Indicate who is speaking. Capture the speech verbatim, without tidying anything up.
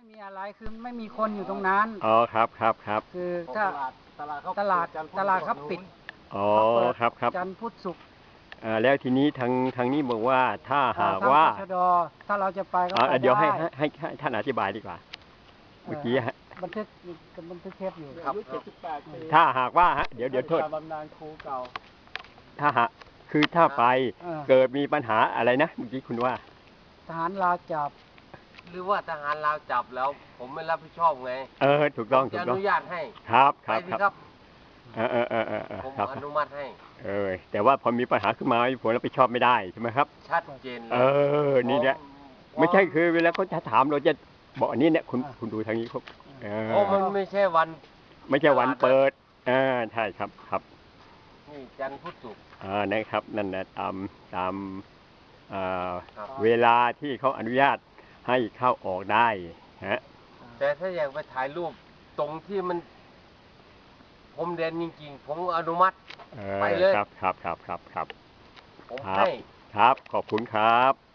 Speaker 1: ไม่มีอะไรคือไม่มีคนอยู่ตรงนั้น
Speaker 2: อ๋อครับครับครับ
Speaker 1: คือถ้าตลาดตลาดตลาดเขาปิด
Speaker 2: อ๋อครับครับ
Speaker 1: จันทร์พุธศุกร์
Speaker 2: อ่าแล้วทีนี้ทางทางนี้บอกว่าถ้าหาก
Speaker 1: ทาง
Speaker 2: ว่า
Speaker 1: ตชดถ้าเราจะไปก็ไปได้
Speaker 2: เดี๋ยวให้ให้ให้ท่านอธิบายดีกว่าเมื่อกี้ฮะ
Speaker 1: บันทึกบันทึกเทปอยู่
Speaker 2: ครับถ้าหากว่าฮะเดี๋ยวเดี๋ยวโทษ
Speaker 1: บำนาญครูเก่า
Speaker 2: ถ้าหากคือถ้าไปเกิดมีปัญหาอะไรนะเมื่อกี้คุณว่า
Speaker 1: ทหารลาวจับ
Speaker 3: หรือว่าทหารลาวจับแล้วผมไม่รับผิดชอบไง
Speaker 2: เออถูกต้องถูกต้อง
Speaker 3: อนุญาตให้
Speaker 2: ครับครับ
Speaker 3: ครับ
Speaker 2: เออเออเออเออ
Speaker 3: ผมอนุมัติให้
Speaker 2: เออแต่ว่าพอมีปัญหาขึ้นมาผมรับผิดชอบไม่ได้ใช่ไหมครับ
Speaker 3: ชัดเจน
Speaker 2: เออนี่เนี่ยไม่ใช่คือเวลาเขาจะถามเราจะบอกอันนี้เนี่ยคุณคุณดูทางนี้ครับ
Speaker 3: เพราะมันไม่ใช่วัน
Speaker 2: ไม่ใช่วันเปิดอ่าใช่ครับครับ
Speaker 3: นี่จันทร์พุธศุกร์
Speaker 2: อ่านะครับนั่นนะตามตามเวลาที่เขาอนุญาตให้เข้าออกได้ฮะ
Speaker 3: แต่ถ้าอยากไปถ่ายรูปตรงที่มันพรมแดนจริงๆผมอนุมัติไปเลย
Speaker 2: ครับครับครับครับครับ
Speaker 3: ผมให้
Speaker 2: ครับขอบคุณครับ